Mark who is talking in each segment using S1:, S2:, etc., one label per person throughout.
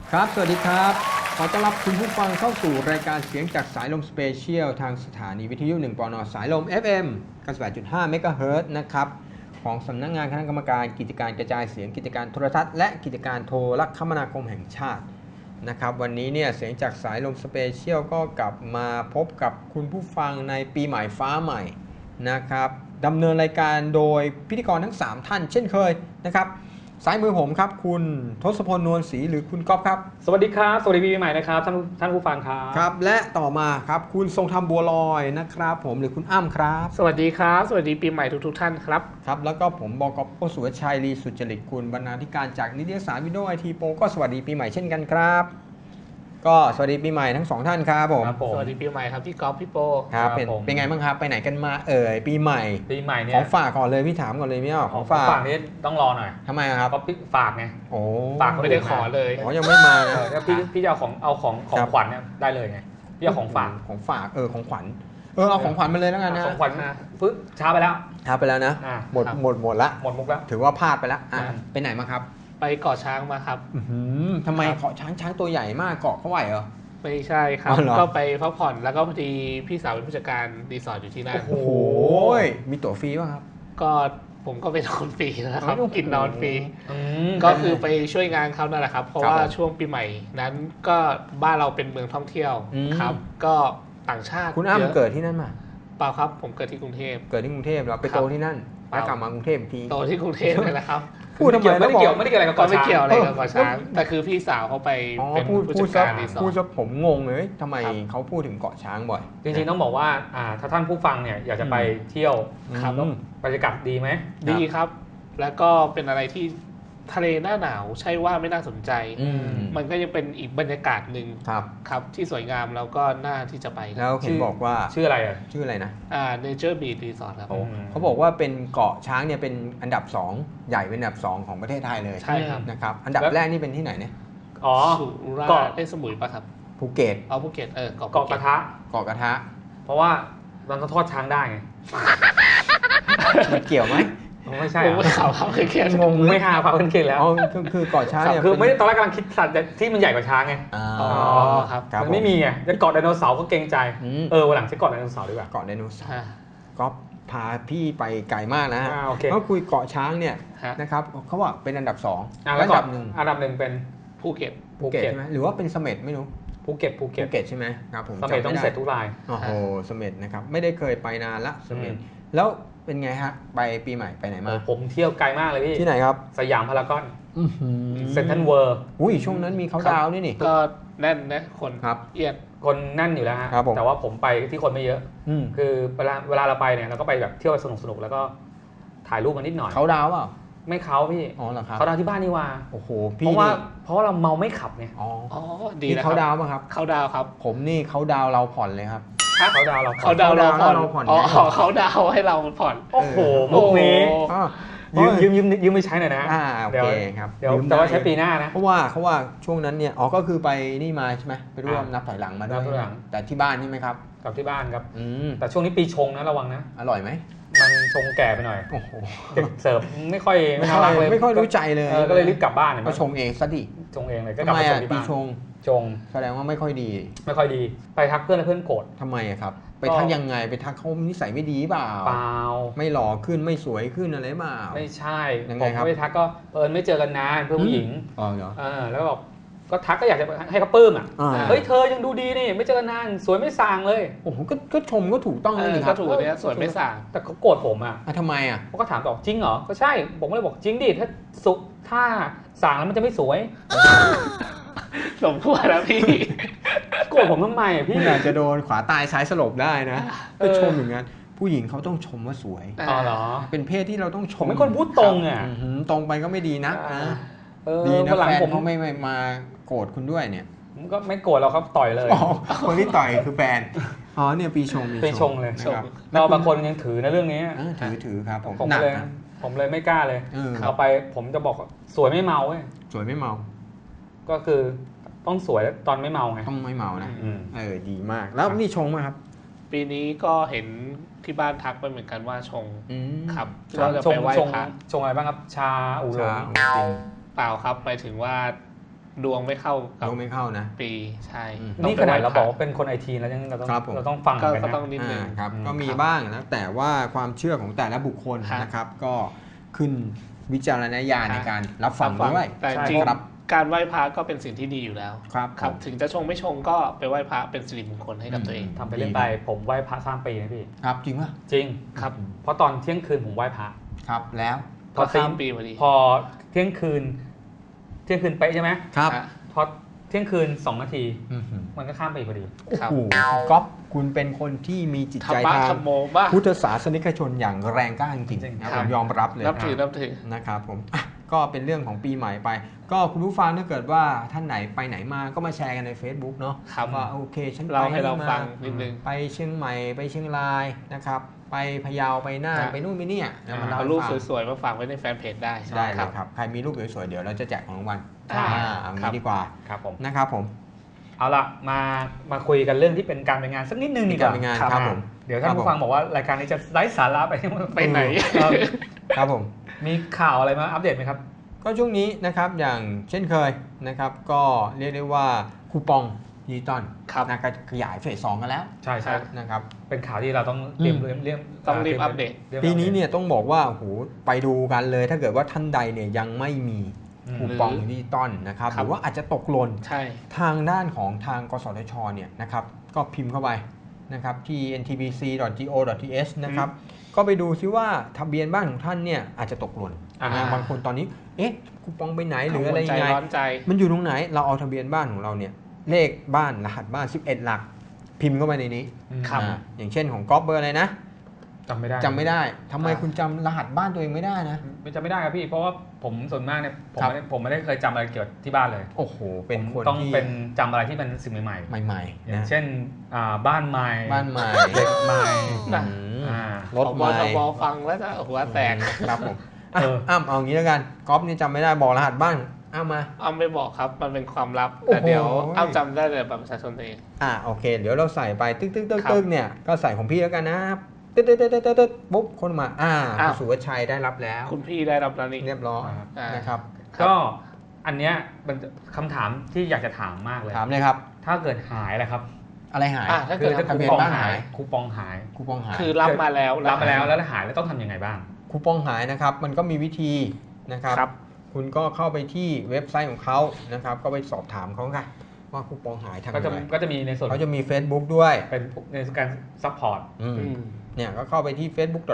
S1: ครับสวัสดีครับขอต้อนรับคุณผู้ฟังเข้าสู่รายการเสียงจากสายลมสเปเชียลทางสถานีวิทยุ1ปนสายลม FM 98.5 เมกะเฮิรตซ์นะครับของสำนักงานคณะกรรมการกิจการกระจายเสียงกิจการโทรทัศน์และกิจการโทรคมนาคมแห่งชาตินะครับวันนี้เนี่ยเสียงจากสายลมสเปเชียลก็กลับมาพบกับคุณผู้ฟังในปีใหม่ฟ้าใหม่นะครับดำเนินรายการโดยพิธีกรทั้ง3ท่านเช่นเคยนะครับซ้ายมือผมครับคุณทศพลนวลศรีหรือคุณก๊อฟครับ
S2: สวัสดีครับสวัสดีปีใหม่นะครับท่านผู้ฟังครับ
S1: ครับและต่อมาครับคุณทรงธรรมบัวลอยนะครับผมหรือคุณอ้ำครับ
S3: สวัสดีครับสวัสดีปีใหม่ทุกท่านครับ
S1: ครับแล้วก็ผมบก.สุวชัยลีสุจริตกุลบรรณาธิการจากนิตยสารวิดีโอไอทีโปก็สวัสดีปีใหม่เช่นกันครับก็สวัสดีปีใหม่ทั้ง2ท่านครับผม
S3: สวัสดีปีใหม่ครับพี่ก๊อฟพี่โป
S1: ครับเป็นไงบ้างครับไปไหนกันมาปีใหม่
S2: เนี่ย
S1: ของฝากก่อนเลยพี่ถามก่อนเลยไม่เอาของฝาก
S2: นี่ต้องรอหน่อย
S1: ทำไมครับ
S2: ก็ฝากไง
S1: โอ้
S3: ฝากไม่ได้ขอเลย
S1: ยังไม่มา
S2: แล้วพี่จะเอาของขวัญเนี่ยได้เลยไงพี่เอาของฝาก
S1: ของขวัญเอาของขวัญมาเลยแล้วกันนะ
S2: ของขวัญฟึ๊บช้าไปแล้ว
S1: นะหมดละหมดมุกแล้วถือว่าพลาดไปแล้วไปไหนมาครับ
S3: ไปเกาะช้างมาครับ
S1: ทำไมเกาะช้างตัวใหญ่มากเกาะเขาไหวเหรอ
S3: ไม่ใช่ครับก็ไปพักผ่อนแล้วก็พอดีพี่สาวเป็นผู้จัดการรีสอร์ทอยู่ที่นั่น
S1: โอ้โหมีตั๋วฟรีป่ะครับ
S3: ก็ผมก็ไปนอนฟรีนะครับกินนอนฟรีก็คือไปช่วยงานเขานั่นแหละครับเพราะว่าช่วงปีใหม่นั้นก็บ้านเราเป็นเมืองท่องเที่ยวครับก็ต่างชาติ
S1: คุณอ้ำเกิดที่นั่นมา
S3: เปล่าครับผมเกิดที่กรุงเทพ
S1: เราไปโตที่นั่นแล้วกลับมากรุงเทพที
S3: โตที่กรุงเทพเลยนะครับ
S1: พูดทำไม
S2: ไม่ได้เกี่ยวอะไรกับเกาะช้าง
S3: ไม่เกี่ยวอะไรกับเกาะช้างแต่คือพี่สาวเขาไปเป็นผู้จัดการรีสอร์ท
S1: พูดซะผมงงเลยทำไมเขาพูดถึงเกาะช้างบ่อย
S2: จริงๆต้องบอกว่าถ้าท่านผู้ฟังเนี่ยอยากจะไปเที่ยวบรรยากาศดีไหม
S3: ดีครับแล้วก็เป็นอะไรที่ทะเลหน้าหนาวใช่ว่าไม่น่าสนใจมันก็ยังเป็นอีกบรรยากาศหนึ่งครับที่สวยงามแล้วก็น่าที่จะไป
S1: แล้วเห็นบอกว่า
S2: ชื่ออะไร
S1: นะ
S3: Nature Beach Resort ครับ
S1: เขาบอกว่าเป็นเกาะช้างเนี่ยเป็นอันดับ2ใหญ่เป็นอันดับ2ของประเทศไทยเลย
S3: ใช่ครับ
S1: นะครับอันดับแรกนี่เป็นที่ไหนเนี่ย
S3: สุราษฎร์สมุยป่ะครับ
S1: ภูเก็ต
S3: ภูเก็ต
S2: เกาะกระทะเพราะว่ามันทอดช้างได้ไง
S1: มันเกี่ยวไหม
S2: ไม่ใช่
S3: ไม่ข่าวพาเคน
S2: งงไม่หาพาเคนแล้ว
S1: คือเกาะช้างเนี่ย
S2: คือไม่ได้ตอนแรกกำลังคิดสัตว์ที่มันใหญ่กว่าช้างไง
S3: ครับ
S2: มันไม่มีไงจะเกาะไดโนเสาร์ก็เกรงใจวันหลังจะเกาะไดโนเสาร์ดีกว่า
S1: เกาะไดโนเสาร์ก็พาพี่ไปไกลมากนะฮะ
S2: เขา
S1: คุยเกาะช้างเนี่ยนะครับเขาว่าเป็นอันดับ2
S2: อันดับหนึ่งเป็น
S3: ภูเก็ต
S1: ใช่ไหมหรือว่าเป็นเสม็ดไม่รู้
S2: ภูเก็ต
S1: ใช่ไหมครับผม
S2: เสม็ดต้องเสร็จทุกราย
S1: โอ้โหเสม็ดนะครับไม่ได้เคยไปนานละเสม็ดแล้วเป็นไงฮะไปปีใหม่ไปไหนมา
S2: ผมเที่ยวไกลมากเลยพี่
S1: ที่ไหนครับ
S2: สยามพารากอนเซ็นทรัลเวิลด์
S1: ช่วงนั้นมีเขาดาวนี่
S3: ก็แน่นนะคนเอียด
S2: คนแน่นอยู่แล้วฮะแต่ว่าผมไปที่คนไม่เยอะคือเวลาเราไปเนี่ยเราก็ไปแบบเที่ยวสนุกแล้วก็ถ่ายรูปกันนิดหน่อย
S1: เขาดาวเปล่า
S2: ไม่เขาพี่
S1: อ๋อเหรอครับ
S2: เขาดาวที่บ้านนี่ว่า
S1: โอ้โห
S2: พี่เพราะเราเมาไม่ขับไง
S3: ดีนะ
S1: เขาดาวป่ะครับ
S3: เขาดาวครับ
S1: ผมนี่เขาดาวเราผ่อนเลยครับ
S2: เขาดาวเรา
S3: ผ่อนเขาดาวให้เราผ่อน
S2: โอ้โหมุกนี้ยืมไปใช้หน่อยนะ
S1: โอเคครับ
S2: เดี๋ยวแต่ว่าใช้ปีหน้านะ
S1: เพราะว่าช่วงนั้นเนี่ยก็คือไปนี่มาใช่ไหมไปร่วมนับถอยหลังมาด้วยแต่ที่บ้านนี่ไหมครับ
S2: กับที่บ้านครับแต่ช่วงนี้ปีชงนะระวังนะ
S1: อร่อยไหม
S2: มันชงแก่ไปหน่อยโอ้โหเสิร์ฟไม่ค่อยน่ารักเลย
S1: ไม่ค่อยรู้ใจเลย
S2: ก็เลยรีบกลับบ้าน
S1: ก็ชงเองซะดิ
S2: ชงเองเลยก็กลับมาชงที่บ้านชง
S1: แสดงว่าไม่ค่อยดี
S2: ไปทักเพื่อนโกรธ
S1: ทำไมครับไปทักยังไงไปทักเขานิสัยไม่ดีเปล่าไม่หล่อขึ้นไม่สวยขึ้นอะไรเปล่า
S2: ไม่ใช่ผมไม่ทักก็ไม่เจอกันนานเพื่อนผู้หญิงแล้วบอกก็ทักก็อยากจะให้เขาปลื้มเฮ้ยเธอยังดูดีนี่ไม่เจอกันนานสวยไม่ส่างเลย
S1: โอ้โหก็ชมก็ถูกต้องเลย
S3: ครับก็ถูกเนี่ยสวยไม่ส่าง
S2: แต่เขาโกรธผม
S1: ทำไม
S2: เขาก็ถามบอกจริงเหรอก็ใช่ผมก็เลยบอกจริงดิถ้าส่างแล้วมันจะไม่สวย
S3: สมควรแล้วพี่
S2: โกรธผมทำไมพี่
S1: อาจจะโดนขวาตายซ้ายสลบได้นะก็ชมอย่างนั้นผู้หญิงเขาต้องชมว่าสวย
S2: เหรอ
S1: เป็นเพศที่เราต้องชม
S2: ไม่คนพูดตรง
S1: ตรงไปก็ไม่ดีนะดีนะแฟนเขาไม่มาโกรธคุณด้วยเนี่ย
S2: ผมก็ไม่โกรธเราครับต่อยเลย
S1: คนที่ต่อยคือแฟนเนี่ยปีชง
S2: เลยเราบางคนยังถือในเรื่องนี้
S1: ถือครับ
S2: ผมเลยไม่กล้าเลยเอาไปผมจะบอกสวยไม่เมาเว้ย
S1: สวยไม่เมา
S2: ก็คือต้องสวยตอนไม่เมาไง
S1: ต้องไม่เมานะดีมากแล้วนี่ชงไหมครับ
S3: ปีนี้ก็เห็นที่บ้านทักไปเหมือนกันว่าชงครับ
S2: ก็จะไปไหว้พระชงอะไรบ้างครับชาอุหลง
S3: เปล่าครับหมายถึงว่าดวงไม่เข้ากับ
S1: ดวงไม่เข้านะ
S3: ปีใช่
S2: นี่ขนาดเราบอกว่าเป็นคนไอทีแล้วยังเราต้องฟังกัน
S3: ก็
S2: นะ
S3: ต้องนิดนึง
S1: ครับก็มีบ้างนะแต่ว่าความเชื่อของแต่ละบุคคลนะครับก็ขึ้นวิจารณญาณในการรับฟังด้วย
S3: แต่จริงการไหว้พระก็เป็นสิ่งที่ดีอยู่แล้วครับถึงจะชงไม่ชงก็ไปไหว้พระเป็นสิริมงคลให้กับตัวเอง
S2: ทำไปเล่นไปผมไหว้พระข้ามปีนะพี่
S1: ครับจริงป่ะ
S2: จริงครับเพราะตอนเที่ยงคืนผมไหว้พระ
S1: ครับแล้ว
S3: พอข้ามปีพอดี
S2: พอเที่ยงคืนเป๊ะใช่ไหม
S1: ครับ
S2: พอเที่ยงคืน2 นาทีมันก็ข้ามไปพอดี
S1: โอ้โหก๊อฟคุณเป็นคนที่มีจิตใจทางพุทธศาสนิกชนอย่างแรงกล้าจริงๆผมยอมรับเลย
S3: นับถือ
S1: นะครับผมก็เป็นเรื่องของปีใหม่ไปก็คุณผู้ฟังถ้าเกิดว่าท่านไหนไปไหนมาก็มาแชร์กันใน Facebook เนาะว่าโอเคฉันไปให้เราฟังนิดนึงไปเชียงใหม่ไปเชียงรายนะครับไปพะเยาไปน่านไปนู่นไปนี่
S3: เอารูปสวยๆมาฝากไว้ในแฟนเพจได้
S1: เลยครับใครมีรูปสวยๆเดี๋ยวเราจะแจกของรางวัลเอางี้ดีกว่า
S2: ครับผม
S1: นะครับผม
S2: เอาละมาคุยกันเรื่องที่เป็นการไปงานสักนิดนึงดีกว่า
S1: ครับผม
S2: เดี๋ยวท่านผู้ฟังบอกว่ารายการนี้จะไร้สาระไปไหน
S1: ครับผม
S2: มีข่าวอะไรมาอัปเดตไหมครับ
S1: ก็ช่วงนี้นะครับอย่างเช่นเคยนะครับก็เรียกได้ว่าคูปองดิจิตอลนะครับขยายเฟส 2กันแล้ว
S2: ใช่
S1: นะครับ
S2: เป็นข่าวที่เราต้องเรีย
S3: บอัปเดต
S1: ปีนี้เนี่ยต้องบอกว่าโอ้โหไปดูกันเลยถ้าเกิดว่าท่านใดเนี่ยยังไม่มีคูปองดิจิตอลนะครับหรือว่าอาจจะตกหล่นทางด้านของทางกสทชเนี่ยนะครับก็พิมพ์เข้าไปนะครับที่ ntbc.go.th นะครับก็ไปดูซิว่าทะเบียนบ้านของท่านเนี่ยอาจจะตกหล่นบางคนตอนนี้คูปองไปไหนหรืออะไรยังไงมันอยู่ตรงไหนเราเอาทะเบียนบ้านของเราเนี่ยเลขบ้านรหัสบ้าน11 หลักพิมพ์เข้าไปในนี้อย่างเช่นของก๊อฟเบอร์อะไรนะ
S2: จำไม่
S1: ได้ทำไมคุณจำรหัสบ้านตัวเองไม่ได้นะ
S2: จำไม่ได้ครับพี่เพราะว่าผมส่วนมากเนี่ยผมไม่ได้เคยจำอะไรเกี่ยวกับที่บ้านเลย
S1: โอ้โหเป็นคน
S2: ต้องเป็นจำอะไรที่เป็นสิ่งใหม่
S1: ๆ
S2: อย่างเช่นบ้านใหม่เด็กใหม่
S3: รถใหม่ฟังแล้วจะหัวแตก
S1: ครับผมเอางี้แล้วกันก๊อฟนี่จำไม่ได้บอกรหัสบ้าน
S3: อ้ำไม่บอกครับมันเป็นความลับแต่เดี๋ยวอ้ำจำได้เลยบัตรประชาชนตัวเอง
S1: โอเคเดี๋ยวเราใส่ไปตึ๊กเนี่ยก็ใส่ของพี่แล้วกันนะตึ๊ดปุ๊บคนมาคุณสุวชัยได้รับแล้ว
S3: คุณพี่ได้รับแล้วนี่
S1: เรียบร้อยนะครับ
S2: ก็อันเนี้ยเป็นคำถามที่อยากจะถามมากเลย
S1: ถามเลยครับ
S2: ถ้าเกิดหายล่ะครับ
S1: อะไรหาย
S3: ถ้าเกิด
S2: คูปองหายคูปองหาย
S3: คือรับมาแล้ว
S2: แล้วหายแล้วต้องทำยังไงบ้าง
S1: คูปองหายนะครับมันก็มีวิธีนะครับคุณก็เข้าไปที่เว็บไซต์ของเขานะครับก็ไปสอบถามเขาค่ะว่าคูปองหายทางไหน
S2: ก็จะมีในส่วน
S1: เขาจะมี Facebook ด้วย
S2: เป็นในการซัพพอร์ต
S1: เนี่ยก็เข้าไปที่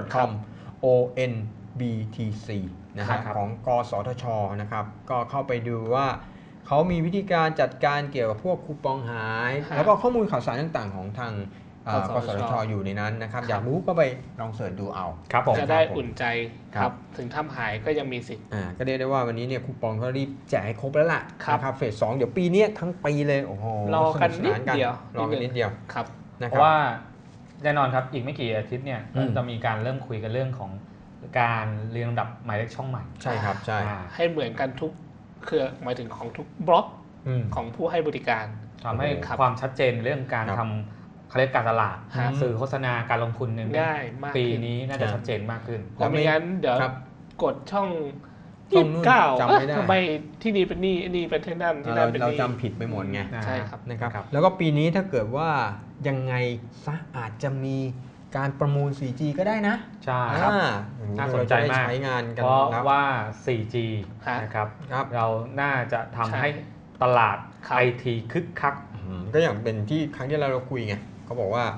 S1: facebook.com/onbtc นะครับของกสทชนะครับก็เข้าไปดูว่าเขามีวิธีการจัดการเกี่ยวกับพวกคูปองหายแล้วก็ข้อมูลข่าวสารต่างๆของทางกสทชอยู่ในนั้นนะครับอยากรู้ก็ไปลองเสิร์ชดูเอา
S3: จะได้อุ่นใจครับถึงทำหายก็ยังมีสิทธิ์
S1: ก็เรียกได้ว่าวันนี้เนี่ยคูปองเขารีบแจกให้ครบแล้วล่ะนะครับเฟส 2เดี๋ยวปีนี้ทั้งปีเลยโอ้โห
S3: รอกันนิดเดียว
S2: ครับเพราะว่าแน่นอนครับอีกไม่กี่อาทิตย์เนี่ยจะมีการเริ่มคุยกันเรื่องของการเรียงลำดับหมายเลขช่องใหม่
S1: ใช่ครับใช่
S3: ให้เหมือนกันทุกเครือหมายถึงของทุกบล็อกของผู้ให้บริการ
S2: ทำให้ความชัดเจนเรื่องการทำเขาเรียกการตลาดสื่อโฆษณาการลงทุน
S3: ง่ายมาก
S2: ปีนี้น่าจะชัดเจนมากขึ้น
S3: แล้วไม่งั้นเดี๋ยวกดช่อง29ทำไมที่นี่เป็นนี่เป็นที่นั่นที่นั่นเป็น
S1: นี่เราจำผิดไปหมดไง
S3: ใช่ครับ
S1: นะครับแล้วก็ปีนี้ถ้าเกิดว่ายังไงซะอาจจะมีการประมูล 4G ก็ได้นะ
S2: ใช่ครับน่าสนใจมาก
S1: ใช้งานกัน
S2: เพราะว่า 4G นะครับเราน่าจะทำให้ตลาด IT คึกคัก
S1: ก็อย่างเป็นที่ครั้งที่เราคุยไงเขาบอกว่า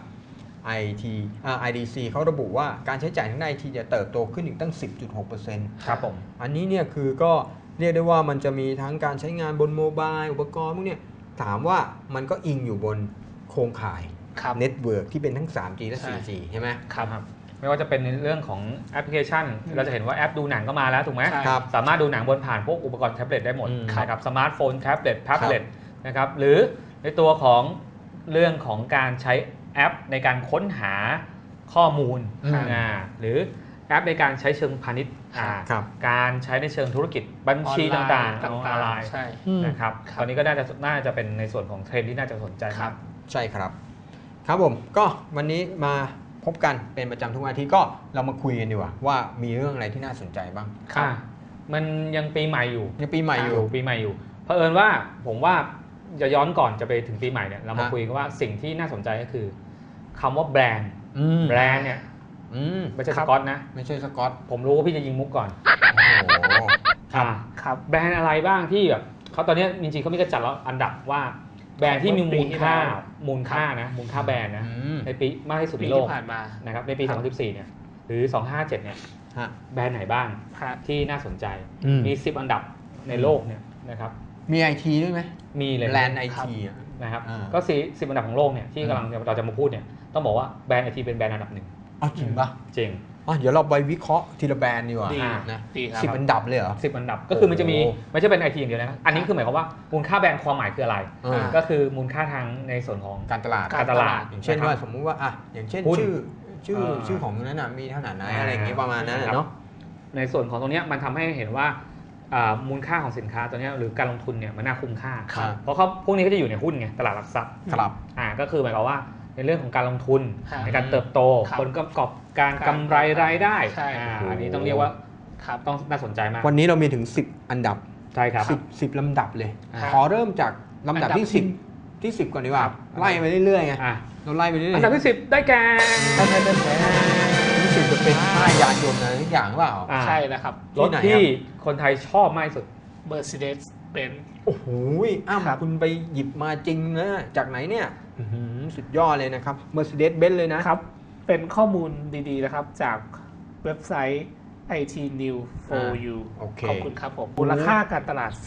S1: IDC เขาระบุว่าการใช้จ่ายทางด้าน IT จะเติบโตขึ้นอีกตั้ง 10.6%
S2: ครับผม
S1: อันนี้เนี่ยคือก็เรียกได้ว่ามันจะมีทั้งการใช้งานบนโมบายอุปกรณ์พวกนี้ถามว่ามันก็อิงอยู่บนโครงข่ายเน็ตเวิร์กที่เป็นทั้ง 3G และ 4G ใช่ไหม
S2: ครับไม่ว่าจะเป็นในเรื่องของแอปพลิเคชันเราจะเห็นว่าแอปดูหนังก็มาแล้วถูกไหมสามารถดูหนังบนผ่านพวกอุปกรณ์แท็บเล็ตได้หมดนะครับสมาร์ทโฟนแท็บเล็ตนะครับหรือในตัวของเรื่องของการใช้แอปในการค้นหาข้อมูลหรือแอปในการใช้เชิงพาณิชย์การใช้ในเชิงธุรกิจบัญชีต่างๆออนไลน์นะครับตอนนี้ก็น่าจะเป็นในส่วนของเทรนด์ที่น่าจะสนใจครับ
S1: ใช่ครับครับผมก็วันนี้มาพบกันเป็นประจำทุกวันอาทิตย์ก็เรามาคุยกันดีกว่ามีเรื่องอะไรที่น่าสนใจบ้าง
S2: มันยังปีใหม่อยู่
S1: ปีใหม่อยู่
S2: พผอิญว่าผมว่าจะย้อนก่อนจะไปถึงปีใหม่เนี่ยเรามา
S1: ฮะ
S2: คุยกันว่าสิ่งที่น่าสนใจก็คือคำว่าแบรนด์ แบรนด์เนี่ย ไม่ใช่สกอตนะ
S1: ไม่ใช่สกอต
S2: ผมรู้ว่าพี่จะยิงมุกก่อน
S1: โอ้โห
S3: ครับ
S2: แบรนด์อะไรบ้างที่แบบเขาตอนนี้จริงๆเขามีกระจัดแล้วอันดับว่าแบรนด์ที่มีมูลค่ามูลค่าแบรนด์นะในปีมากที่สุด
S3: ปี
S2: ในโลก
S3: ที่ผ่านมา
S2: นะครับในปี
S3: ครับ
S2: 2014เนี่ยหรือ 257เนี่ย
S1: ฮะ
S2: แบรนด์ไหนบ้าง
S3: ฮะ
S2: ที่น่าสนใจ มี 10 อันดับในโลกเนี่ยนะครับ
S1: มีไอทีด้วยไหม
S2: มีเลย
S1: แบรนด์ไอ
S3: ครับ
S1: ที
S2: นะครับ
S1: อ่า
S2: ก็10อันดับของโลกเนี่ยที่กำลังเราจะมาพูดเนี่ยต้องบอกว่าแบรนด์ไอทีเป็นแบรนด์อันดับหนึ่ง
S1: อ๋อจริงปะ
S2: จริง
S1: อ๋อเดี๋ยวเราไปวิเคราะห์ทีละแบรนด์ดีกว่า
S3: ดี
S1: นะ
S3: ดีครับ
S1: 10 อันดับเลยเหรอ
S2: 10 อันดับก็คือมันจะมี
S1: โอ้
S2: ไม่ใช่เป็นไอทีอย่างเดียวนะอันนี้คือหมายความว่ามูลค่าแบรนด์ความหมายคืออะไร
S1: เออ
S2: ก็คือมูลค่าทางในส่วนของ
S1: การตลาด
S2: การตลาด
S1: อย่างเช่น
S2: นะครับ
S1: ว่าสมมุติว่าอ่ะอย่างเช่น
S2: หุ้น
S1: ชื่อของนั้นน่ะมีเท่าไหร่นะอะไรอย่างงี้ประมาณนั้นน่ะเนาะ
S2: ในส่วนของตรงเนี้ยมันทำให้เห็นว่ามูลค่าของสินค้าตัวเนี้ยหรือการลงทุนเนี่ยมันน่าคุ้มค่า
S1: ครับ
S2: เพราะเขาพวกนี้ก็จะอยู่ในหุ้นไงตลาดหลักทรัพย์
S1: ครับ
S2: ก็คือหมายความว่าในเรื่องของการลงทุน
S3: ครับ
S2: ในการเติบโต
S3: ครับ
S2: ผลประกอบการกำไรรายได้
S3: ใช่
S2: อันนี้ต้องเรียกว่า
S3: ครับ
S2: ต้องน่าสนใจมาก
S1: วันนี้เรามีถึง 10 อันดับ
S2: ใช่ครับ
S1: 10ลำดับเลย
S3: ครับ
S1: ขอเริ่มจากลำดับที่
S3: อันดับที่
S1: 10 ที่ 10 ก่อนดีกว่า
S3: ครับ
S1: ไล่ไปเรื่อยๆไง
S2: อ่ะ
S1: เราไล่ไปเรื่อยๆ
S2: อันดับที่ 10 ได้แก่
S1: รู้สึกจะเป็นค่ายยานยนต์อะไรทุกอย่างหรือเปล่า
S2: อ่ะ
S3: ใช่นะครับ
S2: รถ
S1: ที่ไหน
S2: ที่
S1: ครับ
S2: คนไทยชอบมากที่สุด
S3: Mercedes Benz
S1: โอ้โหอ้ำ
S3: ครับ
S1: คุณไปหยิบมาจริงนะ จากไหนเนี่ยอื้อหือสุดยอดเลยนะครับ Mercedes-Benz เลยนะ
S3: ครับ เป็นข้อมูลดีๆนะครับ จากเว็บไซต์ IT New for You
S1: โอเค
S3: ขอบคุณครับผม มูลค่าการตลาด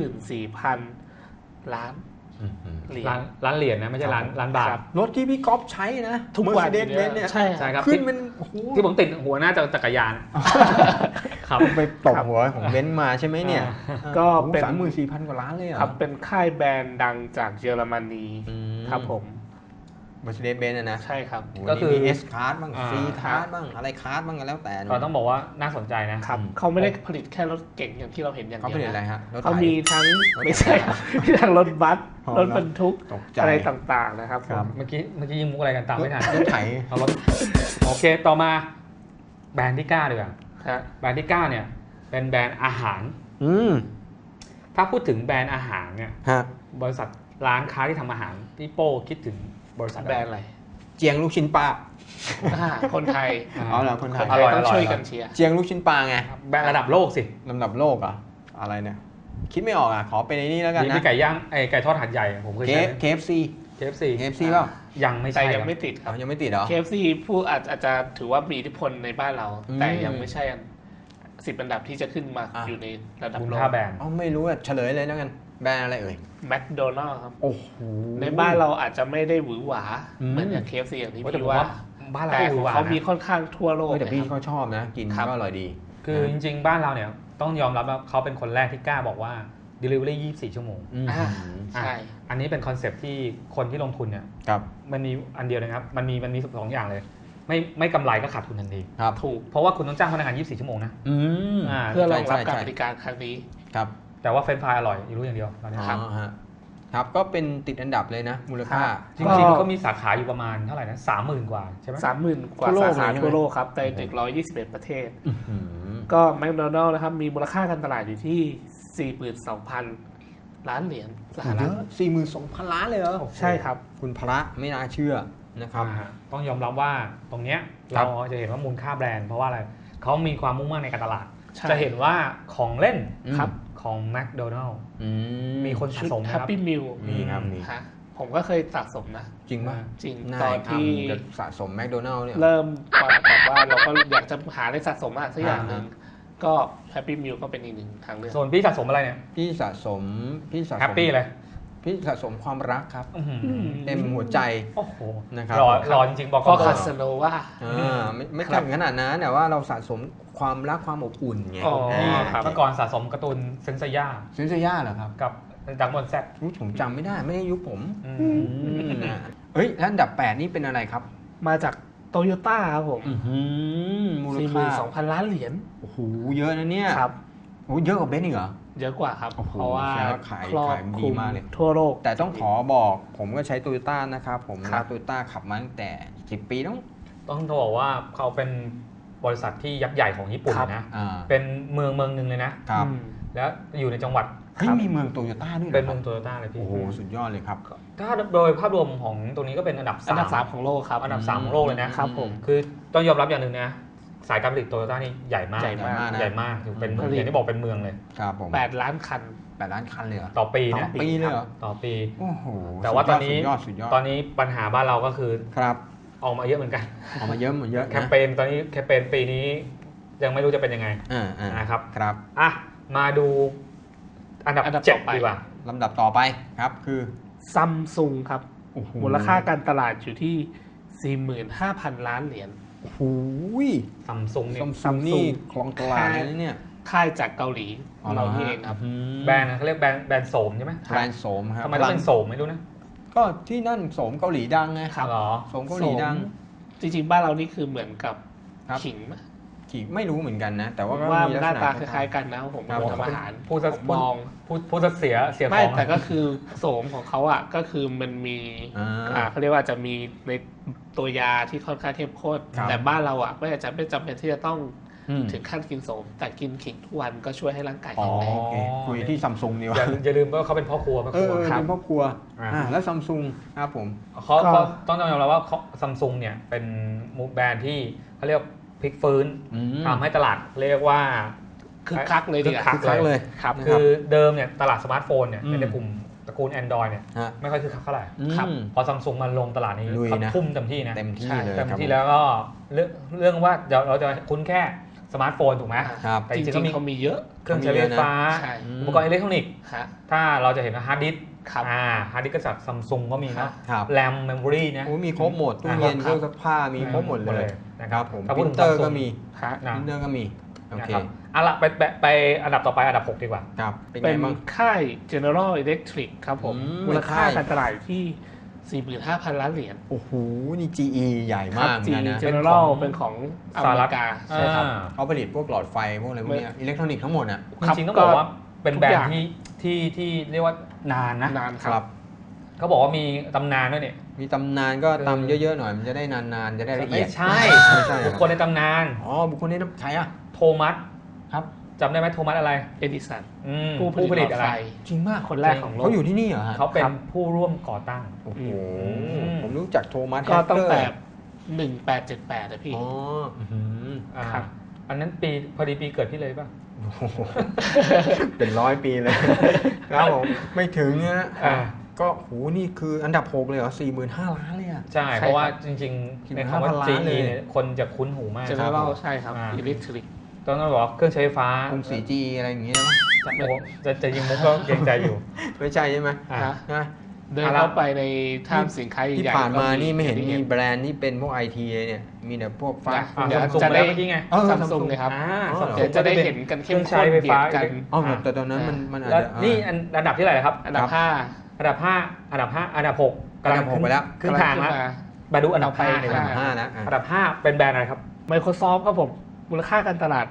S3: 34,000 ล้านเหรียญ
S2: ร้านเหรียญนะไม่ใช่ร้านบาท
S3: ครับ
S1: รถที่พี่ก๊อฟใช้นะ
S3: ทุกวัน
S1: Mercedes-Benz เนี่ย
S3: ใช่
S2: ใช่ครับ
S1: ขึ้นมันโอ้โห
S2: ที่ผมติดหัวหน้าจักรยานครับ
S1: ไปตบหัวของเบนซ์มาใช่ไหมเนี่ย
S3: ก็เป็น
S1: 34,000 กว่าล้านเลยเหรอ
S3: ครับเป็นค่ายแบรนด์ดังจากเยอรมนี
S1: อืม
S3: ครับผม
S1: Mercedes-Benz นะ
S3: ใช่ครับ
S2: ก็คือ
S1: มี S Class บ้าง
S2: อ่า
S1: C Class บ้างอะไรคลาสบ้างก็แล้วแต่
S2: เราต้องบอกว่าน่าสนใจนะครับ
S3: เขาไม่ได้ผลิตแค่รถเก่งอย่างที่เราเห็นอย่าง
S1: เขา
S3: เดียว
S1: ผลิตอะไร
S3: นะ
S1: ฮะรถไถ
S3: เขามีทั้ง
S1: รถไถ
S3: ไม่ใช่ครับมีทั้งรถบัส
S1: อ๋อ
S3: รถบรรทุก
S1: ตกใจ
S3: อะไรต่างๆนะครับ
S1: ครับ
S3: ผม
S2: เมื่อกี้ยิงมุกอะไรกันตามไม่ทัน
S1: รถไถ
S2: เอารถโอเคต่อมาแบรนด์ที่9ดีกว่า
S3: ฮะ
S2: แบรนด์ที่9เนี่ยเป็นแบรนด์อาหาร
S1: อืม
S2: ถ้าพูดถึงแบรนด์อาหารเนี่ย
S1: ฮะ
S2: บริษัทร้านค้าที่ทำอาหารพี่โป้คิดถึงบริษัท
S3: แบรนด์อะไร
S1: เจียงลูกชิ้นปลา
S3: คนไทย
S1: เอาเหรอคนไท
S3: ค
S1: ย
S3: นไทยต้องช่วยกันเชียร์
S1: เจียงลูกชิ้นปลาไง
S2: แบรนด์ระดับโลกสิ
S1: ลำดับโลกเหรอ่ะอะไรเนี่ย คิดไม่ออกอ่ะ ขอเป็นไอ้นี่แล้วกัน
S2: นี่
S1: นะ
S2: มีไก่ย่างไก่ทอดหัดใหญ่ผมเคยใช้
S1: KFC
S2: KFC
S1: KFC เปล่า
S2: ยังไม่
S3: แต่
S2: ใช่
S3: ยัง
S2: ครับ
S3: ไม่ติดค
S1: อ๋
S3: รั
S1: อบ ยังไม่ติดเหรอ
S3: KFC ผู้อาจจะถือว่ามีอิทธิพลในบ้านเรา
S1: อืม
S3: แต่ยังไม่ใช่10 อันดับที่จะขึ้นมา
S1: อ่ะ
S3: อยู่ในระดับ
S2: มูล
S3: โลก
S2: ค่าแบรนด์
S1: อ๋อไม่รู้อ่ะเฉลยเลยแล้วกัน แบรนด์อะไรเอ่ย
S3: แมคโดนัลล์ครับ
S1: โอ้โห
S3: ในบ้านเราอาจจะไม่ได้หวือหวา
S1: อืม
S3: เหมือนอย่าง KFC อย่างที่
S2: โอ้แต่
S3: พี่
S2: ผม
S3: ว่า
S2: ว่าบ้านเรา
S3: แต่
S2: ก็
S3: ของ
S2: หวาน
S3: เขามี
S2: นะ
S3: ค่อนข้างทั่วโลก
S1: เฮ้ยแต่พี่
S3: นะครับ
S1: เขาชอบนะ กิน
S3: ครับ
S1: ก็อร่อยดี
S2: คือจริงๆบ้านเราเนี่ยต้องยอมรับว่าเขาเป็นคนแรกที่กล้าบอกว่า delivery 24 ชั่วโมง
S1: อืม
S3: อ่า ใช่
S2: อันนี้เป็นคอนเซปต์ที่คนที่ลงทุนเนี่ย
S1: ครับ
S2: มันมีอันเดียวนะครับมันมีสองอย่างเลย ไม่กำไรก็ขาดทุนทันที
S1: ครับ
S3: ถูก
S2: เพราะว่าคุณต้องจ้างพนักงาน 24 ชั่วโมงนะ
S1: อืม
S2: อ่า
S3: เพื่อรองรับ
S1: ใช่
S3: การ
S1: ใช่
S3: บริการครั้งนี้
S1: ครับ
S2: แต่ว่าเฟรนช์ฟรายอร่อยรู้อย่างเดียวตอนนี้
S1: อ๋อฮะครับก็เป็นติดอันดับเลยนะ มูลค่า
S3: ครับ
S2: จริงๆก็มีสาขาอยู่ประมาณเท่าไหร่นะ 30,000 กว่าใช่ไหม
S3: 30,000 กว่า
S1: ทั่วโลก
S3: สาขา
S1: เลยใช่ไหม
S3: ทั่วโลกครับใน121 ประเทศ
S1: อื้อหือ
S3: ก็แมคโดนัลล์นะครับมีมูลค่าการตลาดอยู่ที่ 42,000 ล้านเหรียญสห
S1: เย
S3: รัฐ
S1: อะ42,000 ล้านเลยเหรอ
S3: ใช่ครับ
S1: คุณพระไม่น่าเชื่อนะครับ
S2: ต้องยอมรับว่าตรงเนี้ย
S1: ครั
S2: เรา
S1: บ
S2: จะเห็นว่ามูลค่าแบรนด์เพราะว่าอะไรเขามีความมุ่งมั่นในการตลาด
S3: ใช่
S2: จะเห็นว่าของเล่น
S3: ครับ
S2: ของ McDonald
S1: อืม
S2: มีคนสะ
S3: ชุด
S2: สมนะ
S3: แฮ
S2: ค
S3: ป
S2: รับ
S3: ปี้มิล
S1: มีครับมี
S3: ฮะผมก็เคยสะสมนะ
S1: จริงป่ะ
S3: จริง
S1: นาย
S3: ตอนที่
S1: จะสะสมแมคโดนัลล์เนี่ย
S3: เริ่มแบบว่าเราก็อยากจะหาอะไรสะสมอะไรสักอย่างหนึ่งก็แฮปปี้มิลก็เป็นอีกหนึ่งทางเลือก
S2: ส่วนพี่สะสมอะไรเนี่ย
S1: พี่สะสม
S2: แฮปปี้เลย
S1: พี่สะสมความรักครับ
S2: อื้อหือ
S1: เต็มหัวใจ
S2: โอ้โห
S1: นะครับ
S2: รอจริงๆบอก
S3: ก็
S2: ก่
S3: คา
S2: อน
S3: สโนว่า
S1: ไม่ถึงขนาดนั้นแต่ว่าเราสะสมความรักความอบอุ่นไง
S3: อ๋อครับ
S2: เมื่อก่อนสะสมการ์ตูนเซนเซย่า
S1: ซินเซียาเหรอครับ
S2: กับดักบอลแซด
S1: อุ๊ยผมจำไม่ได้ไม่ได้ยุคผม
S3: ม
S1: เฮ้ยแล้วอันดับ 8 นี่เป็นอะไรครับ
S3: มาจากโตโยต้าครับผม
S1: มูลค่า
S3: 42,000 ล้านเหรียญ
S1: โอ้โหเยอะนะเนี่ย
S3: ครับ
S1: โอ้เยอะกว่าเบนซ์อีกเหรอ
S3: เยอะกว่าครับ
S1: โอ้โห
S3: เพราะว่า
S1: แสดงว่าขาย
S3: ครอบ
S1: ขายดี
S3: คลุม
S1: มากเลย
S3: ทั่วโลก
S1: แต่ต้องขอบอกผมก็ใช้โตโยต้านะครับผม
S3: ครั
S1: รับ โตโยต้าขับมาตั้งแต่10 ปีแล้ว
S2: ต้องบอกว่าเขาเป็นบริษัทที่ยักษ์ใหญ่ของญี่ปุ่น
S3: ครับ
S2: นะ
S1: อ่า
S2: เป็นเมืองหนึ่งเลยนะ
S1: ครับ
S3: อืม
S2: แล้วอยู่ในจังหวัด
S1: เฮ้ยมีเมืองโตโยต้าด้วยหร
S2: เป็นเมืองโตโยต้าเลยพี่
S1: โอ้โหสุดยอดเลยครับ
S2: ถ้าโดยภาพรวมของตรงนี้ก็เป็นอันดับ
S3: อันดับ
S2: 3
S3: 3ของโลกครับ
S2: อันดับ 3 ของโลกเลยนะครับ
S3: ผม
S2: คือต้องยอมรับอย่างหนึ่งนะสายการผลิตโตโยต้านี่ใหญ่มาก
S3: ใหญ่มาก
S1: นะ
S2: ใหญ่มากเป็น
S3: ผลิต
S2: อย่างที่บอกเป็นเมืองเลย
S1: ครับผม
S3: 8 ล้านคัน
S1: 8 ล้านคันเลยเหรอ
S2: ต่อปี
S1: ต่อ
S2: นะ
S1: ปีเลยเหรอ
S2: ต่อปี
S1: โอ้โห
S2: แต่ว่าตอนนี้
S1: สุดยอดสุดยอด
S2: ตอนนี้ปัญหาบ้านเราก็คือ
S1: ครับ
S2: ออกมาเยอะเหมือนกัน
S1: ออกมาเยอะเยอะ
S2: แคมเปญตอนนี้แคมเปญปีนี้ยังไม่รู้จะเป็นยังไง นะครับ
S1: ครับ
S2: อ่ะมาดูอันดับ
S3: อันดับ
S2: เจ็ด
S3: ต่อไป
S2: ดีกว่า
S1: ลำดับต่อไปครับคือ
S3: ซัมซุงครับ
S1: โอ้โห
S3: มูลค่าการตลาดอยู่ที่ 45,000 ล้านเหรียญ
S1: โอ้โห
S2: ซัมซุงเนี่ย
S1: ซัมซุงนี่คลองตลาดเลยนะเนี่ย
S3: ค่ายจากเกาหลี
S1: อ๋อ
S3: เรา
S1: เหรอ
S3: นี่
S1: ฮะ
S3: เองครับ
S2: แบรนด์นะเขาเรียกแบรนด์โสมใช่ไหม
S1: แบรนด์โสมครับ
S2: ทำไมต้องเป็นโสมไม่รู้นะ
S1: ก็ที่นั่นโสมเกาหลีดังไง
S3: ครับ
S2: เหรอ
S1: โสมเกาหลีดัง
S3: จริงๆ บ้านเรานี่คือเหมือนกับ
S1: ครับ
S3: ขิงไหม
S1: ขี่ไม่รู้เหมือนกันนะ แต่ว่าก็
S3: ว่า
S1: มี
S3: ห
S1: ลั
S3: น้าก
S1: ษณะ
S3: ตาคล้ายๆกันนะผม
S1: ครับ
S3: ทำอาหาร
S2: พูดซะ
S3: ผมมอง
S2: พูดซะเสียข
S3: ไม่
S2: อง
S3: แต่ก็คือโสมของเขาอ่ะก็คือมันมี เขาเรียกว่าจะมีในตัวยาที่ค่อนข้างเข้มข้น
S1: ครับ
S3: แต่บ้านเราอ่ะไม่จำเป็นที่จะต้อง
S1: อืม
S3: ถึงขั้นกินโสม แต่กินขิงทุกวันก็ช่วยให้ร่างกาย
S1: อ๋อ
S3: แข็งแรง
S1: โอเคคุยที่ซัมซุงดีก
S2: อย่า
S1: ว่า
S2: อย่าลืมว่าเขาเป็นพ่อครัว
S1: เออ
S3: ครับ
S1: เป็นครอบครัว
S2: อ่า
S1: แล้วซัมซุงครับผม
S2: เขา
S3: ก็
S2: เขาต้องยอมรับว่าซัมซุงเนี่ยเป็นแบรนด์ที่เขาเรียกพลิกฟื้น
S1: อืม
S2: ทำให้ตลาดเรียกว่า
S3: คึกคักเลยดีกว่า
S2: คึกคักเลย
S3: ครับ
S2: คือเดิมเนี่ยตลาดสมาร์ทโฟนเนี่ย
S1: อืม
S2: ในกลุ่มตระกูล Android เนี่ย
S1: ฮะ
S2: ไม่ค่อยคึกคักเท่าไหร่
S3: ครับ
S1: อืม
S2: พอซัมซุงมาลงตลาดนี้
S1: ลุย
S2: เขา
S1: นะ
S2: ทุ่มเต็มที่นะ
S1: เต็มที่
S3: ใช่
S1: เลย
S2: เต็ม
S1: ครับ
S2: ที่แล้วก็เรื่องว่าเดี๋ยวเราจะคุ้นแค่สมาร์ทโฟนถูกไหม
S1: ครับ
S2: แต่
S3: จ
S2: จริ
S3: ริ
S2: ง
S3: ง
S2: ๆก็มี
S3: ๆเขามีเยอะ
S2: เครื่องใช้ไฟฟ้า
S3: ใช่
S1: อืม
S2: อุปกรณ์อิเล็กทรอนิกส์
S3: ฮะ
S2: ถ้าเราจะเห็นว่าฮาร์ดดิสก์
S3: ครับ
S2: ฮาร์ดดิสก์ก็จากซัมซุงก็มี
S3: ครั
S2: นะ
S3: บ
S1: ครับ
S2: แรมเมมโมรีนะ
S1: โอ้มีครบหมดตู้เย็นเครื่องซักผ้ามีครบหมดเลย
S2: นะครับ
S1: ผม
S2: ถ้า
S1: ป
S2: พูด
S1: ริ
S2: ถึ
S1: น
S2: ง
S1: เตอร์
S2: Samsung
S1: ก็มี
S3: ฮะ
S2: นะ
S1: ปรินเตอร์ก็มีโอ
S2: นะ
S1: เค
S2: ครับเอาละไปอันดับต่อไปอันดับ 6 ดีกว่า
S1: ครับเป็น
S3: เป็
S1: ไง
S3: น
S1: บ้าง
S3: ค่าย General Electric ครับผม มูลค่า
S1: ค่าย
S3: การตลาดอยู่ที่ 45,000 ล้านเหรียญ
S1: โอ้โหนี่ GE ใหญ่
S3: ครั
S1: มาก
S3: จี
S1: นะ
S3: General เป็นของอเมริกา
S2: สหรัฐ
S3: ใช่ครับ
S1: เขาผลิตพวกหลอดไฟพวกอะไรพวกเนี้ยอิเล็กทรอนิกส์ทั้งหมดอ่ะ
S3: ครับ
S2: จริงๆต้องบอกว่าเป็น
S3: ทุก
S2: แบรน
S3: อย่าง
S2: ด์ที่เรียกว่านานนะ
S3: นานค
S1: ครั
S3: รับ
S1: บ
S2: เขาบอกว่ามีตำนานด้วยเนี่ย
S1: มีตำนานก็ตำเยอะๆหน่อยมันจะได้นานๆจะได้ละเอี
S2: ไม่
S1: ยด
S2: ใช่
S1: ไม่ใช่
S2: บุคคลในตำนาน
S1: อ๋อบุคคลนี้ใครอ่ะ
S2: โทมัส
S1: ครับ
S2: จำได้ไหมโทมัสอะไร
S3: เอดิสัน
S2: อืม
S3: ผู้ผลิตหลอด
S2: อะไร
S3: ไฟ
S1: จริงมาก
S3: คนแรกของโลก
S1: เขาอยู่ที่นี่เหรอฮะ
S2: เขาเป็นผู้ร่วมก่อตั้ง
S1: โอ้โห
S2: ม
S1: ผมรู้จักโทมัส
S3: ก็ตั้งแต่
S1: แฮกเกอร์
S3: 1878นะพี่
S1: อ๋ออื้อหือ
S2: อ่า
S3: ครับ
S2: อันนั้นปีพอดีปีเกิดพี่เลยป่ะ
S1: โอ้โหเป็น100 ปีเลยครับผมไม่ถึงนะ
S2: อ่า
S1: ก็โหนี่คืออันดับ 6 เลยเหรอ 45,000 ล้านเลยอ่ะ
S2: ใช่
S3: ใช่
S2: เพราะว่า
S3: ครับ
S2: จริง
S1: คิด
S2: ๆ
S1: ว่า
S2: ในคำว่า
S1: 5,000 ล้าน
S2: GE
S1: เลย
S2: เนี่ยคนจะคุ้นหูมาก
S3: General ใช่ครับ
S2: อ่า
S3: Electric
S2: ต้องบอกว่าเครื่องใช้ไฟฟ้าก
S1: รุงศรี GE อะไรอย่างเงี้ยนะ
S2: โอ้จะยิงมุกก็เกรงใจอยู่
S1: ไม่ใช่ใช่ไหม
S2: อ่า
S3: นะ
S1: นะ
S3: เดินเข้าไปในท่ามสินค้า
S1: ที่
S3: ใหญ่
S1: ผ่านมา
S3: ก็
S1: นี่ไม่เห็น
S3: อย่าง
S1: มี
S3: ที่
S1: แบรนด์ที่เป็นพวกไอทีเลยเนี่ย มีแต่พวกฟ้า
S2: อ่า
S3: เดี๋ยว
S2: Samsung
S3: จะได้
S2: เมื่อกี้ไง
S1: เออ
S3: ซัม
S1: Samsung
S3: ซุงเลยครับ
S1: อ๋อ
S3: เดี๋ยวจะได้เห็นกันเข้ม
S2: เครื่
S3: ข้
S2: อง
S3: น
S2: ใช้ไฟ
S3: เบีย
S2: ฟ้า
S3: ดกัน
S1: อ๋อแต่ตอนนั้นมันอาจ
S2: แล้ว
S1: จะ
S2: นี่อันดับที่เท่าไหร่ครับ
S3: อันดับ
S1: ครับ
S3: 5
S2: อันดับ 5 อันดับ 5 อันดับ 6
S1: อันดับ 6 ไปแล้ว
S2: ครึ่งทางแล้วมาดูอันดับ 5 ดีก
S1: อัน
S2: ว่า
S1: ดับ 5 แล้วอ่ะ
S2: อันดับ 5 เป็นแบรนด์อะไรครับ
S3: Microsoft ครับผม มูลค่าการตลาด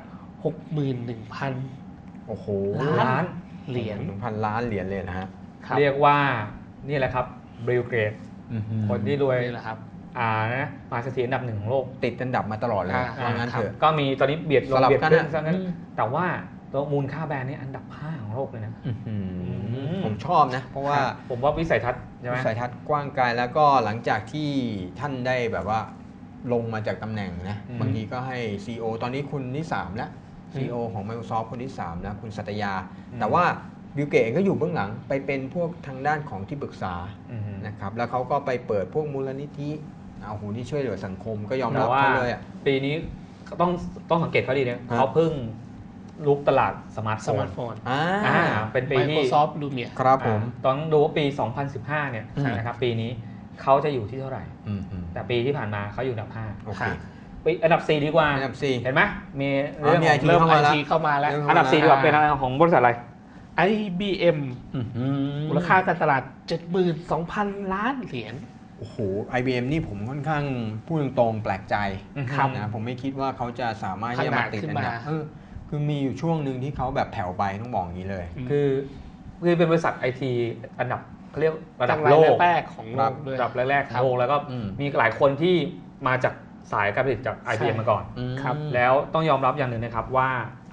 S3: 61,000
S1: โอ้โห
S2: ล้าน
S3: เหรียญ
S1: 1,000 ล้านเหรียญเลยนะฮะ
S3: ครับ
S2: เรียกว่านี่แหละครับบิลเกต
S1: อื้อหือ
S2: คนที่รวย
S3: นี่แหละครับ
S2: นะมหาเศรษฐีอันดับ 1 ของโลก
S1: ติดอันดับมาตลอดเลย
S3: อ่า
S1: ว่างั้นเถอะ
S2: ก็มีตอนนี้เบียดลง
S1: สลับ
S2: เบียด
S1: กัน
S2: ขึ้น
S1: อะ
S2: ซะงั้น
S1: อืม
S2: แต่ว่าตัวมูลค่าแบรนด์นี่อันดับ 5 ของโลกเลยนะ
S1: อื้อหือ
S2: ม
S1: ผมชอบนะ เพราะว่า
S2: ผมว่าวิสัยทัศน์ใช่ไหม
S1: วิสัยทัศน์กว้างไกลแล้วก็หลังจากที่ท่านได้แบบว่าลงมาจากตำแหน่งนะ
S2: อืม
S1: บางทีก็ให้ CEO ตอนนี้คุณที่ 3 แล้ว CEO ของ Microsoft คนที่ 3 แล้ว คุณสัตยา แต่ว่าบิลเกตเองก็อยู่เบื้องหลังไปเป็นพวกทางด้านของที่ปรึกษา
S2: อืม
S1: นะครับแล้วเขาก็ไปเปิดพวกมูลนิธิเอาหูที่ช่วยเหลือสังคมก็ยอม
S2: แต่
S1: รับ
S2: ว่า
S1: เขาเลยอ่ะ
S2: ปีนี้ก็ต้องสังเกตเขาดีนะ
S1: ฮะ
S2: เขาเพิ่งลุกตลาดสมาร์ทโฟ
S3: สมาน ร์ทโฟน
S2: เป็นปีที่
S3: Microsoft Lumia
S1: ครับผม
S2: ตอนดูว่าปี 2015 เนี่ย
S1: อืม
S2: นะครับปีนี้เขาจะอยู่ที่เท่าไหร่
S1: อืม
S2: แต่ปีที่ผ่านมาเขาอยู่อันดับ
S1: โอเค
S2: 5ปีอันดับ 4 ดีกว่า
S1: อันดับสี่
S2: เห็นไหมมีเรื่อง
S1: มี
S2: ของ
S1: IT
S3: เริ่ม
S1: เข้ามาแล้ว
S3: IT เข้ามาแล้ว
S1: เริ่ม
S2: อันดับ 4 ดีกว่าเป็นอะไรของบริษัทอะไร
S3: IBM มูลค่าการตลาด 72,000 ล้านเหรียญ
S1: โอ้โห IBM นี่ผมค่อนข้างพูดตรงๆแปลกใจ
S2: ครับ
S1: นะผมไม่คิดว่าเขาจะสามารถที่จะมาติดอันดับ
S3: ขนาดขึ้นมา
S1: คือมีอยู่ช่วงหนึ่งที่เขาแบบแผ่วไปต้องบอกอย่างนี้เลย
S2: คือเป็นบริษัทไอทีอันดับเขาเรียกระดับ
S3: ตั้ง
S2: โลก
S3: แรกๆของโลกด้วย
S2: ระดับแรกๆของโลกแล้วก็
S1: อืม
S2: มีหลายคนที่มาจากสายการผลิตจาก IBM มาก่อน
S3: ครับ
S2: แล้วต้องยอมรับอย่างหนึ่งนะครับว่า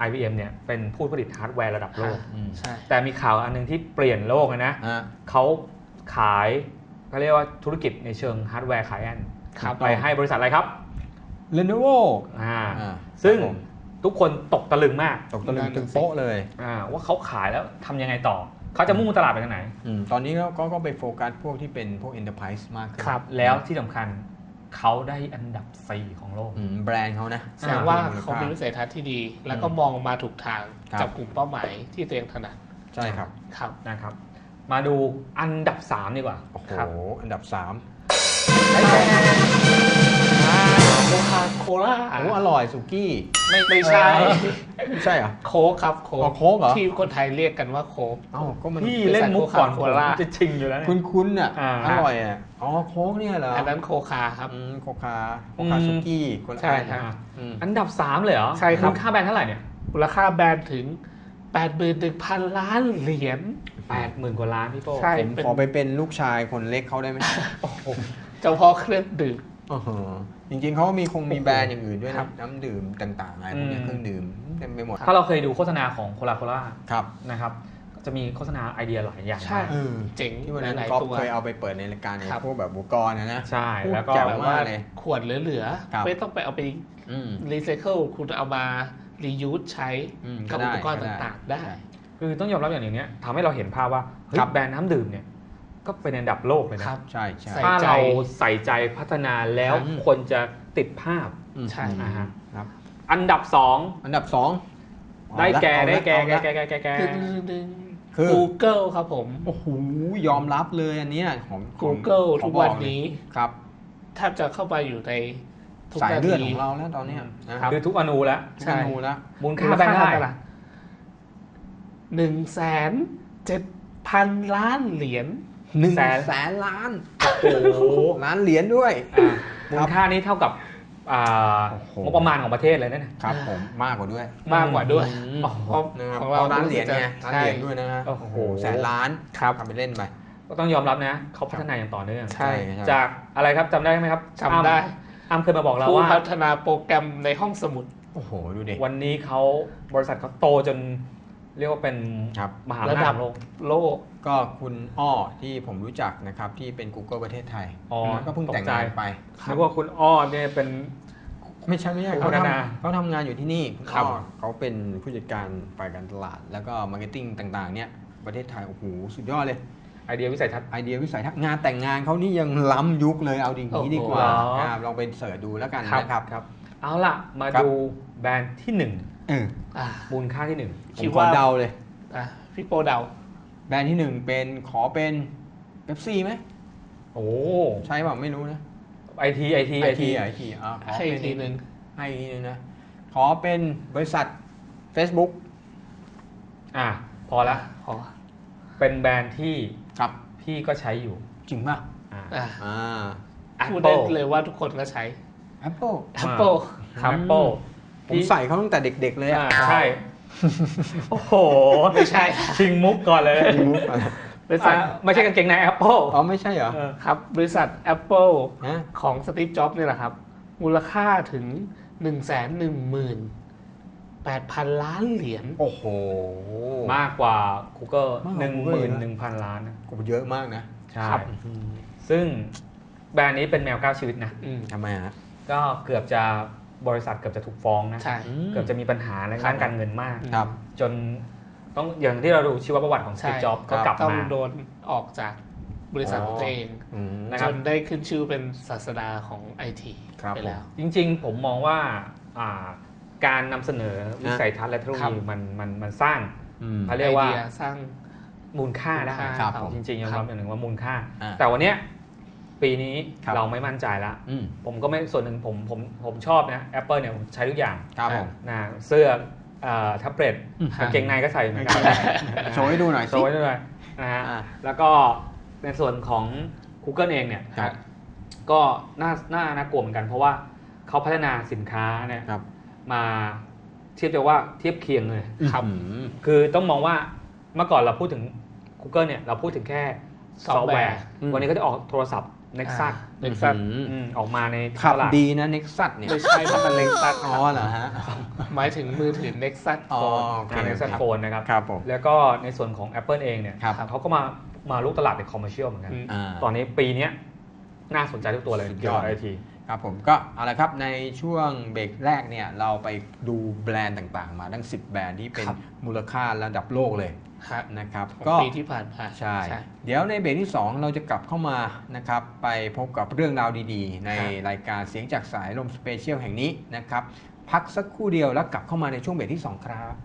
S2: IBM เนี่ยเป็นผู้ผลิตฮาร์ดแวร์ระดับโลก
S3: ใช่
S2: แต่มีข่าวอันนึงที่เปลี่ยนโลกเลยนะ เขาขายเขาเรียกว่าธุรกิจในเชิงฮาร์ดแวร์ขายแอน
S3: ครับ
S2: ไปให้บริษัทอะไรครับ
S1: Lenovo
S2: ซึ่งทุกคนตกตะลึงมาก
S1: ตกตะลึงตึงโป๊ะเลย
S2: ว่าเขาขายแล้วทำยังไงต่อ เขาจะมุ่งตลาดไปทางไหน
S1: ตอนนี้ก็ไปโฟกัสพวกที่เป็นพวก Enterprise มากขึ้น
S2: ครับ แล้วที่สำคัญเขาได้อันดับ 4 ของโลก
S1: แบรนด์เขานะ
S3: แสดงว่าเขามีวิสัยทัศน์ที่ดี แล้วก็มองมาถูกทางกับกลุ่มเป้าหมายที่ตัวเองถนัด
S1: ใช่ครับ
S3: ครับ
S2: นะครับ มาดูอันดับ 3 ดีกว่า
S1: โอ้โห
S2: ครับ
S1: อันดับ 3
S3: โคคาโคล่า
S1: โอ้อร่อยสุกี้
S3: ไม่ใช่
S1: ไม่ใช่เหรอ
S3: โค้กครับโค้
S1: อ๋อโค้กเหรอ
S3: ที่คนไทยเรียกกันว่าโค้ก
S1: เอ้าก็มัน
S2: พี่เล่นมุกก่อน
S3: โค
S2: ผม
S3: ลา
S2: จะชิงอยู่แล้วเนี่ย
S1: คุ้นๆอ่ะ
S2: อ่า
S1: อร่อยอ่ะอ๋อโค้กเนี่ยเหรอ
S3: อันนั้นโคคาครับ
S1: โคคาสุกี้คนละ
S3: ใช่
S1: อัน
S3: ครับ
S2: อันดับ 3 เลยเหรอ
S3: ใช่ครับ
S2: มูลค่าแบรนด์เท่าไหร่เนี่ย
S3: มูลค่าแบรนด์ถึง 81,000 ล้านเหรียญ
S2: 80,000 กว่าล้านพี่โป้
S3: ใช่
S1: ผมขอไปเป็นลูกชายคนเล็กเขาได้ไหม
S3: เฉพาะเครื่องดื่ม
S1: จริงๆเขามีแบรนด์อย่างอื่นด้วยนะน้ำดื่มต่างๆอะไรพวกนี้เครื่องดื่มเต็มไปหมด
S2: ถ้าเราเคยดูโฆษณาของโคลาโคล่า
S1: ครับ
S2: นะครับก็จะมีโฆษณาไอเดียหลายอย่าง
S3: ใช่
S2: มาก
S3: เจ๋ง
S1: ที่วันนั้น
S3: หลาย
S1: ก๊อฟ
S3: ๆตัว
S1: เคยเอาไปเปิดในรายการใน
S3: ครับ
S1: พวกแบบอุปกรณ์นะ
S2: ใช่แล้วก็
S1: แจ๋ว
S3: แบบ
S1: มา
S3: ว่าก
S1: เลย
S3: ขวดเหลือ
S1: ครับ
S3: ๆไม่ต้องไปเอาไป
S1: อืม
S3: รีไซเคิลคุณเอามารียูสใช้
S1: ก็
S3: กับ
S1: ได้
S3: อุปกรณ์
S1: ก็ได้
S3: ต่างๆได้
S2: คือต้องยอมรับอย่างหนึ่งเนี้ยทำให้เราเห็นภาพว่าเฮ้ย
S1: ครับ
S2: แบรนด์น้ำดื่มเนี่ยก็เป็นอันดับโลกเลยนะ
S3: ครับ
S1: ใช่ใช่
S3: ใส่
S2: ถ้า
S3: ใจ
S2: เราใส่ใจพัฒนาแล้ว
S1: อืม
S2: คนจะติดภาพ
S3: ใช่
S2: อ่าฮะ
S1: ครับ
S2: อันดับ
S1: อันดับ 2
S2: ได้แก่
S3: ดึงดึง
S1: คือ
S3: Google ครับผม
S1: โอ้โหยอมรับเลยอันเนี้ยของ
S3: Google
S1: ขอ
S3: ทุก
S1: บอก
S3: วัน
S1: เลย
S3: นี้
S1: ครับ
S3: แทบจะเข้าไปอยู่ในทุก
S1: สาย
S3: นา
S1: เลือด
S3: ที
S1: ของเราแล้วตอนเนี้ยนะ
S2: คือทุกอนูแล้ว
S1: ทุกเมนูแล้ว
S2: มูลค่าแบรนด์เท่าไหร่
S3: 1,700,000 ล้านเหรียญ
S1: 100,000 ล้าน
S2: โอ้โห
S1: ล้านเหรียญด้วย
S2: มูลค่านี้เท่ากับ
S1: โอ้โห
S2: งบประมาณของประเทศเลยนะครับ
S1: ผมมากกว่าด้วย
S3: มากกว่าด้วย
S1: อ๋อ
S3: ของ
S1: ของ
S3: เรา
S1: เราล้านเหรียญไงล้าน
S3: ใช่
S1: เหรียญด้วยนะฮะ
S2: โอ้โห
S1: แสนล้าน
S3: ครับ
S1: ทำไปเล่นไป
S2: ก็ต้องยอมรับนะเขาพัฒนาอย่างต่อเนื่อง
S3: ใช่
S2: จากอะไรครับจำได้ไหมครับ
S3: จำได้
S2: อ้ำเคยมาบอกเรา
S3: ผู้
S2: ว่า
S3: พัฒนาโปรแกรมในห้องสมุด
S1: โอ้โหดูดิ
S2: วันนี้เขาบริษัทเขาโตจนเรียกว่าเป็น
S1: ครับ
S2: มหาอำนาจของโลก
S3: โลก
S1: ก็คุณอ้อที่ผมรู้จักนะครับที่เป็น Google ประเทศไทย
S2: อ๋อ
S1: ก็เพิ่งแต่งงานไป
S2: นึกว่าคุณอ้อเนี่ยเป็น
S1: ไม่ใช่
S2: ผู้
S1: เขา
S2: พัฒนา
S1: เขาทำงานอยู่ที่นี่คุณ
S3: ครับ
S1: อ้อเขาเป็นผู้จัดการฝ่ายการตลาด แล้วก็มาร์เก็ตติ้งต่างๆเนี่ยประเทศไทยโอ้โหสุดยอดเลย
S2: ไอเดียวิสัยทัศน์
S1: ไอเดียวิสัยทัศน์งานแต่งงานเขานี่ยังล้ำยุคเลยเอาดีนี้ดีกว่า
S2: โอ้โห
S1: ลองไปเสิร์ชดูแล้วกัน
S2: ครับ
S1: นะครับ
S2: ครับ เอาล่ะ มา
S1: ครับ
S2: ดูแบรนด์ที่
S1: เออ
S3: อ่ะ
S2: 1 มูลค่าที่
S1: ผ
S3: คิ
S1: ม
S3: ด
S1: ขอ
S3: ว่า
S1: เดาเลย
S3: พี่โปเดา
S1: แบรนด์ที่ 1 เป็นขอเป็นเ e ปซี่ไหม
S2: 1 โอ้
S1: ใช่เปล่าไม่รู้นะ
S2: ไอที
S1: ไอทีขอ
S3: ให้
S1: เป็น
S3: ทีหนึ่ง
S1: ให้อีกทีนึงนะขอเป็นบริษัท Facebook
S2: พอละ
S3: ขอ
S2: เป็นแบรนด์ที่
S1: ครับ
S2: พี่ก็ใช้อยู่
S1: จริงป่ะ
S2: อ่า
S3: อ่ะ
S1: อ่า
S3: พูดได้
S2: Apple
S3: เลยว่าทุกคนก็ใช้
S1: Apple
S3: Apple
S2: Apple
S1: ผมใส่เขาตั้งแต่เด็กๆเลยอ่ะ
S2: ใช่ โอ้โห
S3: ไม่ใช่
S2: ชิงมุกก่อนเลย
S3: บริษัท
S2: ไม่ใช่กางเกงใน Apple
S1: อ๋อไม่ใช่เหรอ
S3: ครับ บริษัท Apple
S1: ฮะ
S3: ของสตีฟจ็อบส์เนี่ยแหละครับ มูลค่าถึง 118,000 ล้านเหรียญ
S1: โอ้โห
S2: มากกว่า Google
S1: มากกว่า Google
S2: 11,000 ล้านนะ
S1: กูเยอะมากนะ
S2: ใช่
S3: ครับ
S2: ซึ่งแบรนด์นี้เป็นแมว9ชีวิตนะ
S1: ทำไมฮะ
S2: ก็เกือบจะบริษัทเกือบจะถูกฟ้องนะ
S3: ใช่
S2: เกือบจะมีปัญหาในด้านการเงินมาก
S1: ครับ
S2: จนต้องอย่างที่เราดูชีวประวัติของส
S3: ใช่
S2: ตีฟจ็อบส์ก็กลับ
S3: ต้อง
S2: มา
S3: โดนออกจากบริษัทของตัวเอง
S2: นะค
S3: จ
S2: รับ
S3: นได้ขึ้นชื่อเป็นศาสดาของไอที
S1: ครับ
S3: ไปแล้ว
S2: จริงๆ ผมมองว่าการนำเสนอวิสัยทัศน์และเทคโนโล
S3: ครั
S2: ยี
S3: บ
S2: มันสร้าง เขาเรียกว่า
S3: ไอดีสร้าง
S2: มูลค่าได้
S3: ครับ
S2: จริงๆยอมรับอย่างหนึ่งว่ามูลค่า
S1: อ่า
S2: แต่วันเนี้ยปีนี้
S1: ครับ
S2: เราไม่มั่นใจละ
S1: อืม
S2: ผมก็ไม่ส่วนหนึ่งผมชอบนะ Apple เนี่ยผมใช้ทุกอย่าง
S1: ครับผม
S2: นะเสื้อแท็บเล็ต
S1: อืม
S2: กางเกงในก็ใส่เหมือนกัน
S1: โชว์ให้ดูหน่อย
S2: โช
S1: สิ
S2: ว์ไว้ด้วยนะฮะ
S1: อ่า
S2: แล้วก็ในส่วนของ Google เองเนี่ย
S1: ครับ
S2: ก็น่ากลัวเหมือนกัน เพราะว่าเขาพัฒนาสินค้าเนี่ย
S1: ครับ
S2: มาเทียบจะว่าเทียบเคียงเลย
S3: ครับ
S1: อืม
S2: คือต้องมองว่าเมื่อก่อนเราพูดถึง Google เนี่ยเราพูดถึงแค่
S3: ซอฟต์แวร์
S2: วันนี้ก็จะออกโทรศัพท์ Nexus
S3: Nexus
S2: ออกมาใน
S1: ขับ
S2: ตลาด
S1: ดีนะ Nexus เนี่ย
S3: ไม่ใช่ถ้ามัน Nexus
S1: อ๋อเหรอฮะ
S3: หมายถึงมือถือ Nexus
S1: อ๋อ
S3: Phone
S1: โอเค
S2: Nexus Phone นะครับ
S1: ครับผม
S2: แล้วก็ในส่วนของ Apple เองเนี่ย
S1: ครับ
S2: เขาก็มาลุกตลาดเป็นคอมเมอร์เชียลเหมือนกัน
S1: อ่า
S2: ตอนนี้ปีนี้น่าสนใจทุกตัวเลย
S1: สุดย
S2: เกี่ย
S1: อ
S2: ว
S1: ด
S2: กับไอที
S1: ครับผมก็เอาละครับในช่วงเบรกแรกเนี่ยเราไปดูแบรนด์ต่างๆ มาทั้ง 10 แบรนด์ที่เป็น
S3: ครับ
S1: มูลค่าระดับโลกเลย
S3: ครับ
S1: นะครับ
S3: ของ
S1: ก็
S3: ปีที่ผ่านมา
S1: ใช่ เดี๋ยวในเบรกที่ 2 เราจะกลับเข้ามานะครับไปพบกับเรื่องราวดีๆ ใน
S3: ครับ
S1: รายการเสียงจากสายลมสเปเชียลแห่งนี้นะครับพักสักครู่เดียวแล้วกลับเข้ามาในช่วงเบรกที่ 2 ครับ